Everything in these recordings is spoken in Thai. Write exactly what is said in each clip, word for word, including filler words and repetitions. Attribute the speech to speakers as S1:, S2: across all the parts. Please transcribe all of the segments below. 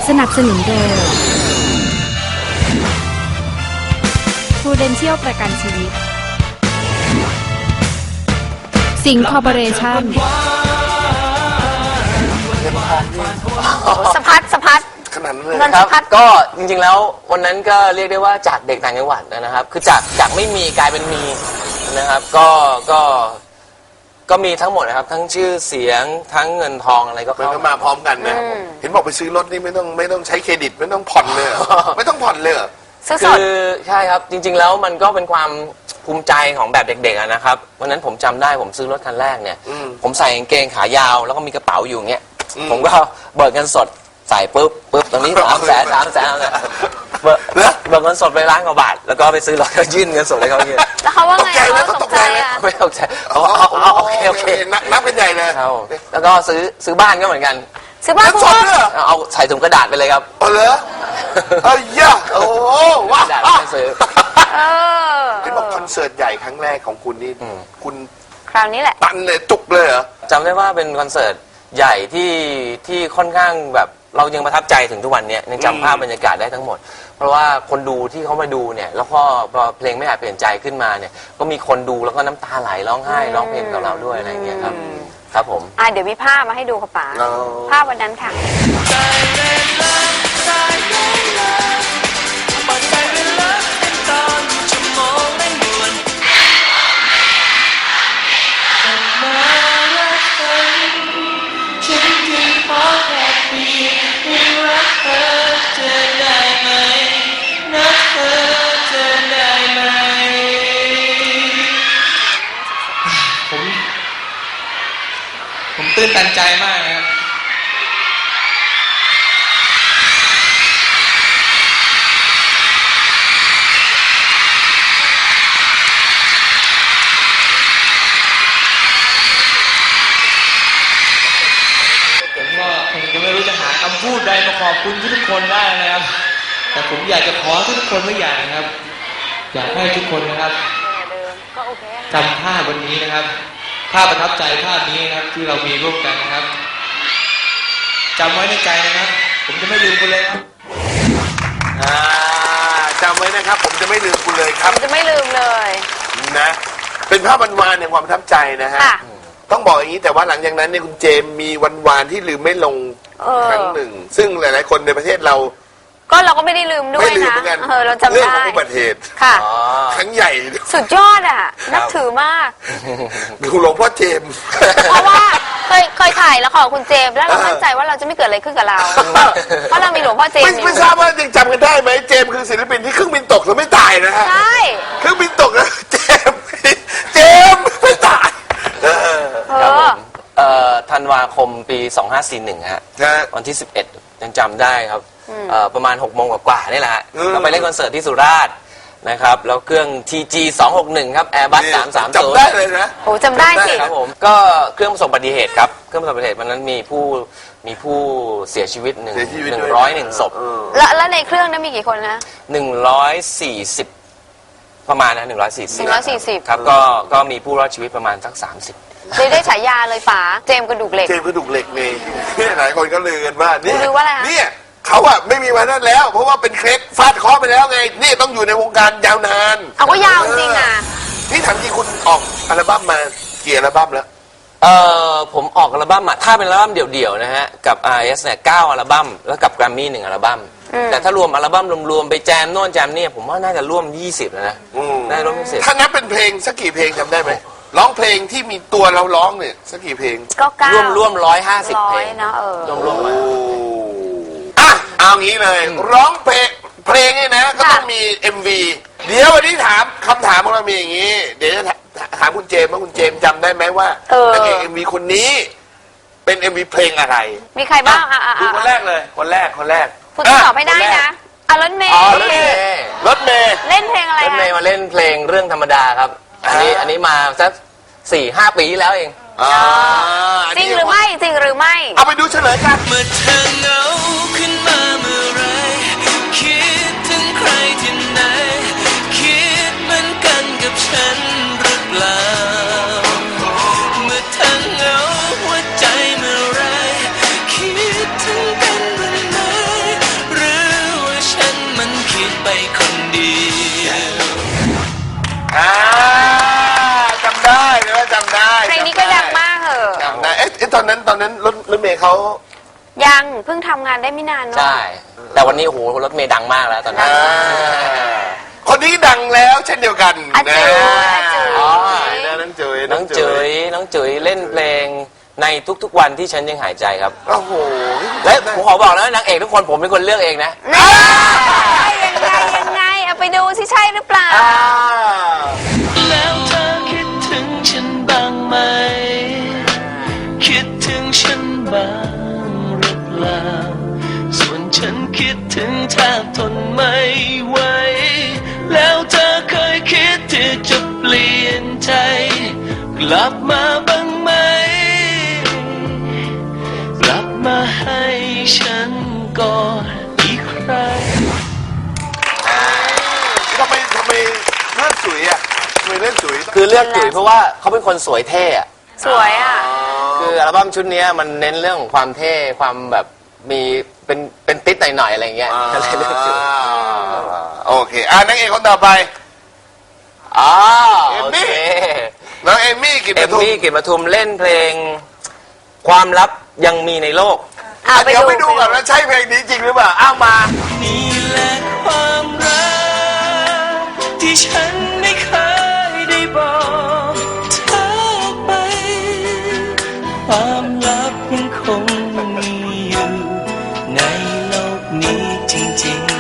S1: สนับสนุนโดย Prudential ประกันชีวิตสิงห์คอร์ปอเรชั่น
S2: สะพัดสะพัด
S3: ขนาดนั้นเลย
S4: ครับก็จริงๆแล้ววันนั้นก็เรียกได้ว่าจากเด็กต่างจังหวัดนะครับคือจากจากไม่มีกลายเป็นมีนะครับก็ก็ก็มีทั้งหมดนะครับทั้งชื่อเสียงทั้งเงินทองอะไรก็เข้า
S3: มาพร้อมกันนะเห็นบอกไปซื้อรถนี่ไม่ต้องไม่ต้องใช้เครดิตไม่ต้องผ่อนเลยไม่ต้องผ่อนเลย
S4: คือใช่ครับจริงๆแล้วมันก็เป็นความภูมิใจของแบบเด็กๆนะครับวันนั้นผมจำได้ผมซื้อรถคันแรกเนี่ยผมใส่กางเกงขายาวแล้วก็มีกระเป๋าอยู่เงี้ยผมก็เบิกเงินสดใส่ปุ๊บปุ๊บตรงนี้สามแสนสามแสนเนี่ยเบิกเบิกเงินสดไปล้านกว่าบาทแล้วก็ไปซื้อรถก็ยื่นเงินสดให้เขายื่น
S2: แล้วเขาว่าไงเขาตกใจอ่ะ
S4: ไม่ตกใจเขาเอาโอเคโอเค
S3: นับเป็นใหญ่เลย
S4: แล้วก็ซื้อซื้อบ้านก็เหมือนกัน
S2: ซื้อบ้าน
S3: สดเลย
S4: เอาใส่ถุงกระดาษไปเลยครับ
S3: เออเหรอเอ้ยย่าโอ้ว้าว
S4: ไม่ซื้อ
S3: เห็นบอกคอนเสิร์ตใหญ่ครั้งแรกของคุณนี่คุณ
S2: คราวนี้แหละ
S3: ตันเลยจุกเลยเหรอ
S4: จำได้ว่าเป็นคอนเสิร์ตใหญ่ที่ที่ค่อนข้างแบบเรายังประทับใจถึงทุกวันนี้ยังจำภาพบรรยากาศได้ทั้งหมดเพราะว่าคนดูที่เขามาดูเนี่ยแล้วก็พอเพลงไม่อาจเปลี่ยนใจขึ้นมาเนี่ยก็มีคนดูแล้วก็น้ำตาไหลร้องไห้ร้องเพลงกับเราด้วยอะไรอย่างเงี้ยครับครับผม
S2: อ่าเดี๋ยวมีภาพมาให้ดูค่ะป๋าภาพวันนั้นค่ะ
S5: ผมตื่นตันใจมากนะครับผมก็คงจะไม่รู้จะหาคำพูดใดมาขอบคุณทุกคนได้นะครับแต่ผมอยากจะขอทุกคนไว้อย่างนะครับอยากให้ทุกคนนะครับจำภาพวันนี้นะครับภาพประทับใจภาพนี้นะครับที่เรามีร่วมกันนะครับจำไว้ในใจนะครับผมจะไม่ลืมคุณเลยครับ
S3: จำไว้นะครับผมจะไม่ลืมคุณเลยครับ
S2: ผมจะไม่ลืมเลย
S3: นะเป็นภาพวันวานในความประทับใจนะฮะต้องบอกอย่างนี้แต่ว่าหลังจากนั้นเนี่ยคุณเจมมีวันวานที่ลืมไม่ลงครั้งหนึ่งซึ่งหลายๆคนในประเทศเรา
S2: ก็เราก็ไม่ได้ลืมด้วยนะเออเราจำได้
S3: เรื่องของอุบัติเหตุ
S2: ค่ะ
S3: ครั้งใหญ่
S2: สุดยอดอ่ะนับถือมาก
S3: ดูหลวงพ่อเจม
S2: เพราะว่าเคยเคยถ่ายละครคุณเจมแล้วเรามั่นใจว่าเราจะไม่เกิดอะไรขึ้นกับเราเพราะเรามีหลวงพ่อเจม
S3: ไม่ทราบว่ายังจำกันได้ไหมเจมคือศิลปินที่เครื่องบินตกแล้วไม่ตายนะฮะ
S2: ใช่
S3: เครื่องบินตกแล้วเจมเจมไม่ตาย
S4: ครับผมธันวาคมปีสองห้าสี่หนึ่งฮะวันที่สิบเอ็ดยังจำได้ครับประมาณหกโมงกว่าๆนี่แหละเราไปเล่นคอนเสิร์ตที่สุราษฎร์นะครับแล้วเครื่อง ที จี สองหกหนึ่งครับ Airbus สามสามศูนย์
S3: จำได้เลยนะ
S2: โอ้จำได้สิ
S4: ครับผมก็เครื่องประสบอุบัติเหตุครับเครื่องประสบอุบัติเหตุวันนั้นมีผู้มีผู้เสียชีวิตหนึ่งหนึ่งร้อยหนึ่งศพ
S2: แล้วแล้วในเครื่องนั้นมีกี่คนนะ
S4: หนึ่งร้อยสี่สิบประมาณนะหนึ่งร้อยสี่สิบ
S2: หนึ่งร้อยสี่สิบ
S4: ครับก็ก็มีผู้รอดชีวิตประมาณสักสามสิบ
S2: เลยได้ฉายาเลยป๋าเจมกระดูกเหล็ก
S3: เจมกระดูกเหล็กนี่หลายคนก็ลือกันว่านี่
S2: ลือว่าอะไร
S3: เนี่ยเขาอะไม่มีวันนั้นแล้วเพราะว่าเป็นเคล็ดฟาดเคาะไปแล้วไงนี่ต้องอยู่ในวงการยาวนาน
S2: เอาก็ยาวจริงอ่ะ
S3: นี่ถามจริงคุณออกอัลบั้มมากี่อัลบั้มแล้ว
S4: เออผมออกอัลบั้มอะถ้าเป็นอัลบั้มเดี่ยวๆนะฮะกับ อาร์ เอส เนี่ยเก้าอัลบั้มแล้วกับแกรมมี่หนึ่งอัลบั้มแต่ถ้ารวมอัลบั้มรวมๆไปแจมโน่นแจมนี่ผมว่าน่าจะร่วมยี่สิบแล้วนะได้ร่วมยี่สิบ
S3: ถ้านับเป็นเพลงสักกี่เพลงจำได้ไหมร้องเพลงที่มีตัวเราร้องเนี่ยสักกี่เพลง
S2: ก็เก้า
S4: ร่วมร่วมร้อยห้าสิบเพลง
S2: นะเออ
S4: รวมรวม
S3: อ่ะเอางี้เลยร้องเพลงเพลงนี่นะก็ต้องมี เอ็ม วี เดี๋ยววันนี้ถามคำถามของเรามีอย่างนี้เดี๋ยวจะถามคุณเจมว่าคุณเจมจำได้ไหมว่านางเอก เอ็ม วี คนนี้เป็น เอ็ม วี เพลงอะไร
S2: มีใครบ้างอ่ะ
S3: ดูคนแรกเลยคนแรกคนแรก
S2: คุณตอบให้ได้นะอ่ะรถเมย์
S3: รถเมย์รถเมย์
S2: เล่นเพลงอะไร
S4: รถเมย์มาเล่นเพลงเรื่องธรรมดาครับอันนี้อันนี้มาสักสี่ห้าปีแล้วเอง
S2: จริงหรือไม่จริงหรือไม่
S3: เอาไปดูเฉลยกัน
S6: เมื่อเธอเหงาขึ้นมาเมื่อไรคิดถึงใครที่ไหนคิดเหมือนกันกับฉันหรือเปล่าเมื่อเธอเหงาหัวใจเมื่อไรคิดถึงกันบ้างไหม
S3: ตอนนั้นรถรถเมย์เขา
S2: ยังเพิ่งทำงานได้ไม่นานเนาะ
S4: ใช่ แต่วันนี้โอ้โหรถเมย์ดังมากแล้วตอนนี้
S3: อ่าคนนี้ดังแล้วเช่นเดียวกัน
S2: อาจุ๋ย
S3: นะ
S2: อาจุ๋ย
S3: อ๋อนะน้องจุ๋ย
S4: น้องจุ๋ยน้องจุ๋ยเล่นเพลงในทุกๆวันที่ฉันยังหายใจครับ
S3: โอ้โห
S4: และผมขอบอกนะนางเอกทุกคนผมเป็นคนเลือกเองนะ
S2: นี่ยังไงยังไงเอาไปดูสิใช่หรือเปล่า
S3: อ่า
S6: แล้วเธอคิดถึงฉันบ้างไหม คิดถึงฉันบ้างหรือเปล่า ส่วนฉันคิดถึงแทบทนไม่ไหว แล้วเธอเคยคิดที่จะเปลี่ยนใจ กลับมาบ้างไหม กลับมาให้ฉันก่อนอีกครั้ง
S3: ทำไมทำไมเลือกจุ๋ยอ่ะทำไมเลือกจุ๋ย
S4: คือเลือกจุ๋ยเพราะว่าเขาเป็นคนสวยเท่อะ
S2: สวยอ่ะ
S4: คืออัลบั้มชุดนี้มันเน้นเรื่องของความเท่ความแบบมีเป็นเป็นติดหน่อยๆอะไรเงี้ยก็เลยเลือกจุ๋ย
S3: โอเคอ่ะนักเอกคนต่อไป
S4: อ๋อ
S3: เอม
S4: โอ
S3: มี่
S4: เค
S3: น้องเอมมี่กิต
S4: เอ
S3: ติ
S4: ม
S3: ทุม
S4: มี่กลิ่นปทุมเล่นเพลง ความลับยังมีในโลก
S2: เอา
S3: อ่ะ
S2: ไป
S3: เดี๋ยว
S2: ดู
S3: ไปดูก่อนว่าใช่เพลงนี้จริงหรือเปล่าอ้าวมา
S6: นี่แหละความรักที่ฉันไม่เคยได้บอกเธอไป ความลับยังคงมีอยู่ในโลกนี้จริงๆ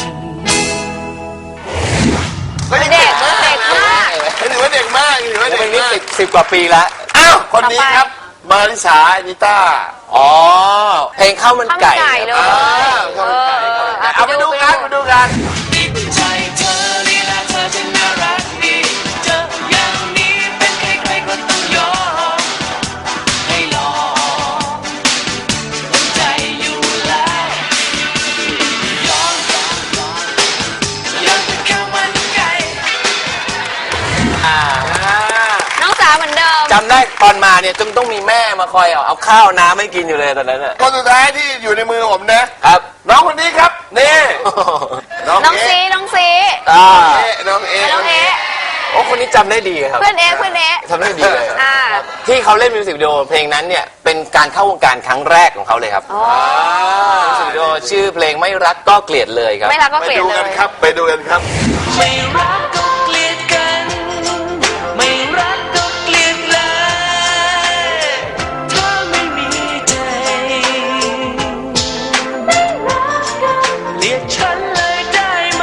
S2: เด็กเด็กมาก
S3: ถือว่าเด็กมากถือว่า
S4: เพ
S3: เด็
S4: ล
S3: ก
S4: งนี้
S3: มาก
S4: สิบสิบกว่าปีแล้ว
S3: อ้าวคนนี้ครับ มาริสาอนิต้า
S4: อ๋อ เพลงข้าวมัน
S2: ข้าวมัน
S4: ไก่
S2: ไก่เลย
S3: อ่า
S2: เออ
S3: เอาไปดูกันไปดูกัน
S6: ติดใจเธอลีลาเธอจะน่ารักดีเจออย่างนี้เป็นใครๆก็ต้องยอมให้ลองตั้งใจอยู่แล้วยอมยอมเป็นข้าวมันไก่
S4: อ่า
S2: น้องสาวเหมือนเดิม
S4: จำได้ตอนมาเนี่ยต้องต้องมีแม่มาคอยเอาเอาข้าวน้ำให้กินอยู่เลยตอนนั้นน่ะ
S3: คนสุดท้ายที่อยู่ในมือผมนะ
S4: ครับ
S3: น้องคนนี้ครับนี่น้อง
S2: น้อง
S3: เอ๊ะ
S2: ซีน้องซี
S4: อ่า
S3: เอ๊ะน้องเอ๊ะ
S2: น้องเอ๊ะ
S4: โอ้คนนี้จำได้ดีครับ
S2: เพื่อนเอ๊ะเพื่อนเอ๊ะ
S4: ทำได้ดีเลย
S2: อ่า
S4: ที่เขาเล่นมิวสิกวิดีโอเพลงนั้นเนี่ยเป็นการเข้าวงการครั้งแรกของเขาเลยครับ
S2: อ๋อ
S4: มิวสิกวิดีโอชื่อเพลงไม่รักก็เกลียดเลยครับ
S2: ไม่รักก็
S3: ไป
S2: เกลียด
S3: ดู
S2: เล
S3: กัน
S2: ย
S3: ครับไปดูกันครับ
S6: ไม่รักก็เกลียดกัน ไม่รักก็เกลียดเลยถ้าไม่มีใจเกลียดฉันเลยได้ไหม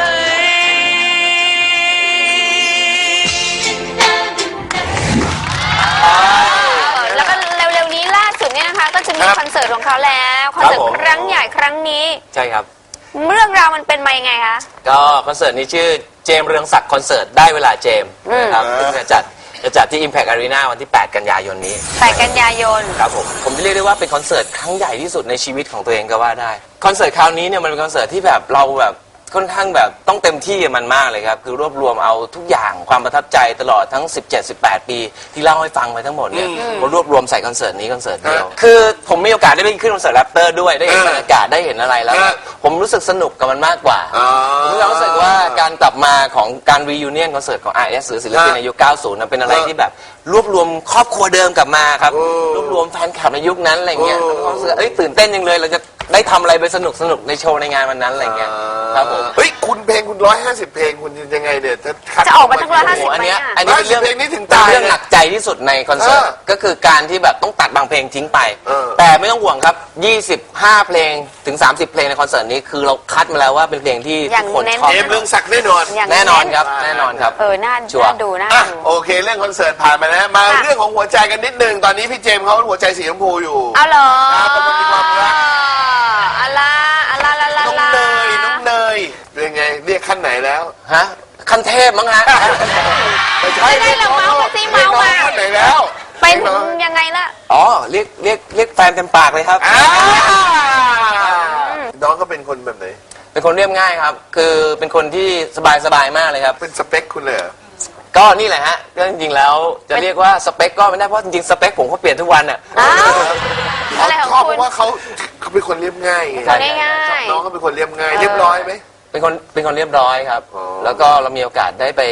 S2: แล้วก็เร็วๆนี้ล่าสุดเนี่ยนะคะ ก็จะมี
S3: ครับ
S2: คอนเสิร์ตของเขาแล้วคอนเสิร์ต
S4: ครับผม
S2: ครั้งใหญ่ครั้งนี้
S4: ใช่ครับ
S2: เรื่องราวมันเป็นมายังไงคะ
S4: ก็คอนเสิร์ตนี้ชื่อเจมส์เรืองศักดิ์คอนเสิร์ตได้เวลาเจมส์
S2: อืม
S4: นะครับซึ่งจะจัดจะจัดที่ Impact Arena วันที่ แปด กันยายนนี้
S2: แปดกันยายน
S4: ครับผมผมเรียกได้ว่าเป็นคอนเสิร์ตครั้งใหญ่ที่สุดในชีวิตของตัวเองก็ว่าได้คอนเสิร์ตคราวนี้เนี่ยมันเป็นคอนเสิร์ตที่แบบเราแบบค่อนข้างแบบต้องเต็มที่กับมันมากเลยครับคือรวบรวมเอาทุกอย่างความประทับใจตลอดทั้ง สิบเจ็ด สิบแปด ปีที่เล่าให้ฟังไปทั้งหมดเนี่ยมารวบรวมใส่คอนเสิร์ตนี้คอนเสิร์ตเดียวคือผมมีโอกาสได้ไปขึ้นคอนเสิร์ตแรปเตอร์ด้วยได้เห็นบรรยากาศได้เห็นอะไรแล้ว
S3: เออ
S4: ผมรู้สึกสนุกกับมันมากกว่า
S3: อ๋อ
S4: ผมมีความรู้สึกว่าการกลับมาของการรียูเนียนคอนเสิร์ตของ อาร์ เอส หรือศิลปินในยุค เก้าสิบนะเป็นอะไร
S3: เออ
S4: ที่แบบรวบรวมครอบครัวเดิมกลับมาครับ
S3: โอ้
S4: รวบรวมแฟนคลับในยุคนั้นอะไรเงี้ย
S3: โอ้
S4: แล้วก็รู้สึกเอ้ยตื่นเต้นจังเลยเราจะได้ทำอะไรไปสนุกสนุกในโชว์ในงานวันนั้นอะไรเงี้ยครับผม
S3: เฮ้ยคุณเพลงคุณร้อยห้าสิบเพลงคุณยังไงเนี่ยจะคัด
S2: จะออกมาทั้งร้อยห้า
S4: โอ้
S2: สิบ
S4: โหอันเนี้ย
S2: ไหมอะ
S4: อันนี้เป็นเรื่อง
S3: เพลงนี้ถึง
S4: เป็น
S3: ตาย
S4: เรื่องหนักใจที่สุดในคอนเสิร์ต
S3: เออ
S4: ก็คือการที่แบบต้องตัดบางเพลงทิ้งไป
S3: เออ
S4: แต่ไม่ต้องห่วงครับยี่สิบห้าเพลงถึงสามสิบเพลงในคอนเสิร์ตนี้คือเราคัดมาแล้วว่าเป็นเพลงที่
S2: อย่าง
S4: ทุกคน
S2: เน้น
S4: ชอบ
S3: เอมเรื่องศักดิ์แน่นอน
S2: อย่าง
S4: แน่นอนครับแน่นอนครับ
S2: เออน่า
S4: ชัวร์
S2: น่าดูน่า
S3: อ่ะ
S2: ดู
S3: โอเคเรื่องคอนเสิร์ตผ่านมาแล้วมา
S2: ค่ะ
S3: เรื่องของหัวใจกันนิดนึงตอนนี้พี่เจมส์เขาหัวใจสีชมพูอยู่
S2: เอาเหรอ
S3: ครับเป็นคนมีความรัก
S2: อะไรอะไรอะไร
S3: น้อง
S2: อะไร
S3: เนยน้องเนยเป็นไงเรียกขั้นไหนแล้ว
S4: ฮะคันเทพมั้งฮะ
S3: ไม่ใช่
S2: ไม่ได้ละเมาส์มาสิเมาส์มา
S3: ขั้นไหนแล้ว
S2: เป็นยังไงล่ะ
S4: อ๋อเรียกเรียกเรียกแฟนเต็มปากเลยครับ
S3: อ่าน้องก็เป็นคนแบบไหน
S4: เป็นคนเรียบง่ายครับ คือเป็นคนที่สบายสบายมากเลยครับ
S3: เป็นสเปคคุณเลยเหรอ
S4: ก็นี่แหละฮะก็จริงๆแล้วจะเรียกว่าสเปคก็ไม่ได้เพราะจริงๆสเปคผมก็เปลี่ยนทุกวันอ่ะ
S2: อ้าวอะไร
S3: เขา
S2: ของ
S3: ชอบ
S2: คุ
S3: เพ
S2: ณ
S3: ราะว่าเขาเขาเป็นคนเรียบง่ายไง
S2: คนง่ายๆ
S3: น้องเขาเป็นคนเรียบง่ายเรียบร้อยไหม
S4: เป็นคนเป็นคนเรียบร้อยครับ
S3: อ๋อ
S4: แล้วก็เรามีโอกาสได้ไป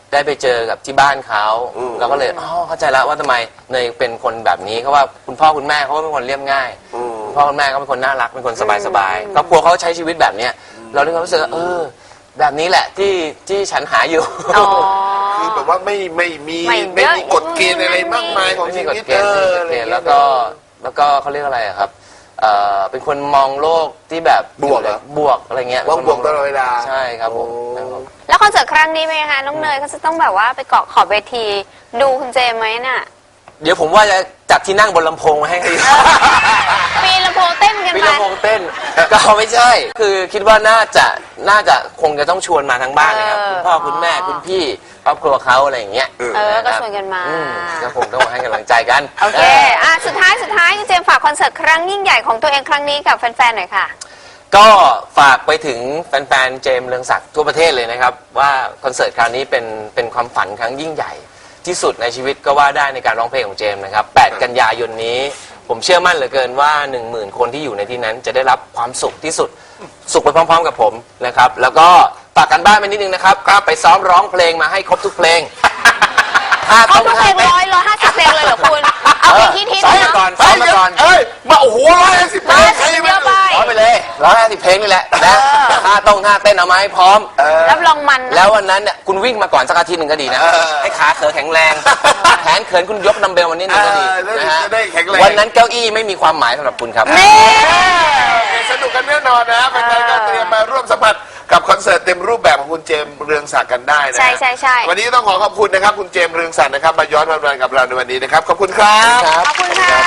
S4: ได้ไปเจอกับที่บ้านเขาเราก็เลยอ๋อเข้าใจแล้วว่าทำไมเนยเป็นคนแบบนี้เพราะว่าคุณพ่อคุณแม่เขาก็เป็นคนเรียบง่ายคุณพ่อคุณแม่ก็เป็นคนน่ารักเป็นคนสบายๆครอบครัวเขาใช้ชีวิตแบบเนี้ยเราเลยรู้สึกว่าเออแบบนี้แหละที่ที่ฉันหาอยู่
S2: อ๋อ
S3: คือแบบว่าไม่ไม่มี
S2: ไม่
S3: ไม่
S2: เยอะ
S3: มีกฎเกณฑ์อะไรมากมายของ
S4: ไม่
S3: ชี
S4: มีกฎ
S3: วิต
S4: เกณฑ์ไม่มีกฎเกณฑ์แล้วก็แล้วก็เขาเรียกอะไรอะครับเอ่อเป็นคนมองโลกที่แบบ
S3: บวกเหรอ
S4: บวกอะไรเงี้ย
S3: ว่างบวกตลอดเวลา
S4: ใช่ครับผม
S3: โอ้
S4: ครับผม
S2: แล้วคอนเสิร์ตครั้งนี้เป็นยังไงน้องเนยก็จะต้องแบบว่าไปเกาะขอบเวทีดูคุณเจมส์ไหมน่ะ
S4: เดี๋ยวผมว่าจะจัดที่นั่งบนลำโพงมาให้
S2: ปีนลำโพงเต้นกัน
S4: มี
S2: ไป
S4: ลำโพงเต้น ก็ไม่ใช่ คือคิดว่าน่าจะน่าจะคงจะต้องชวนมาทั้งบ้านเลยครับ
S2: เออ
S4: คุณพ่อคุณแม่คุณพี่ครอบครัวเขาอะไรอย่างเงี้ย
S2: เออก็
S4: ะครับ
S2: ชวนกันมา
S4: อืก็คงต้องมาให้กำลังใจกัน
S2: โอเค อ่ะ สุดท้าย สุดท้ายคุณเจมส์ฝากคอนเสิร์ตครั้งยิ่งใหญ่ของตัวเองครั้งนี้กับแฟนๆ หน่อยค่ะ
S4: ก็ฝากไปถึงแฟนๆ เจมส์เรืองศักดิ์ทั่วประเทศเลยนะครับ ว่าคอนเสิร์ตคราวนี้เป็นเป็นความฝันครั้งยิ่งใหญ่ ที่สุดในชีวิตก็ว่าได้ในการร้องเพลงของเจมส์นะครับ แปด กันยายนนี้ ผมเชื่อมั่นเหลือเกินว่า หนึ่งหมื่น คนที่อยู่ในที่นั้นจะได้รับความสุขที่สุด สุขไปพร้อมๆ กับผมนะครับ แล้วก็ฝากกันบ้านไปนิดนึงนะครับก็ไปซ้อมร้องเพลงมาให้ครบทุกเพลงถ้า
S2: เขา
S4: ต้อง
S2: ทุกเพลงร้อยร้อยห้าสิบเพลงเลยเหรอคุณ เอาเพลงที่ฮิต
S4: ซ้อม
S2: เนาะ
S4: มาก่อนซ้อมมาก่อน
S3: เอ้ยมาโอ้โหร้อยห้าสิบเพล
S2: ร้อย
S3: งใคร
S2: สิบ
S3: ไม่
S2: เยอะไป
S4: ร้องไปเลยร้องห้าสิบเพลงนี่แหละนะท่าต้องท่าเต้นเอามาให้พร้อม
S2: รับรองมันนะ
S4: แล้ววันนั้นเนี่ยคุณวิ่งมาก่อนสักอาทิตย์หนึ่งก็ดีนะ
S3: เออ
S4: ให้ขาเขินแข็งแรง แขนเขินคุณยกดัมเบลวันนี้หนึ่งก็ดี
S3: เออแล้ว
S4: นะฮะ
S3: จะได้แข็งแรง
S4: วันนั้นเก้าอี้ไม่มีความหมายสำหรับคุณครับ
S2: นี่
S3: สนุกกันแน่นอนนะแฟนๆก็เตรียมมาร่วมสัมผัสกับคอนเสิร์ตเต็มรูปแบบของคุณเจมส์เรืองศักดิ์กันได้นะ
S2: ใช่ใช่ใช่
S3: วันนี้ต้องขอขอบคุณนะครับคุณเจมส์เรืองศักดิ์นะครับมาย้อนวันวานกับเราในวันนี้นะครับขอบคุณครับ
S4: ครับ
S2: ขอบคุณค่ะ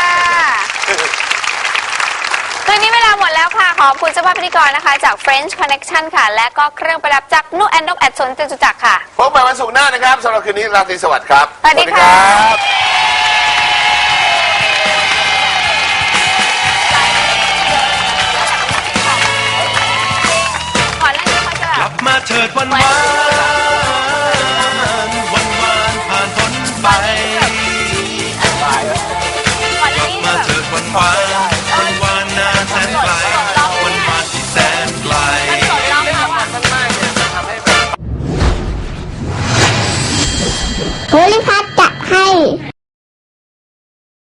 S2: คืนนี้เวลาหมดแล้วค่ะ ขอบคุณเจ้าภาพพิธีกรนะคะ จาก French Connection ค่ะ และก็เครื่องประดับจากนุแอนนกแอดสวนจตุจักรค่ะ
S3: พบกันวันศุกร์หน้านะครับสำหรับคืนนี้ราตรีสวัสดิ์ครับ
S2: สวัสดีค่ะ
S3: สวัสดีครับ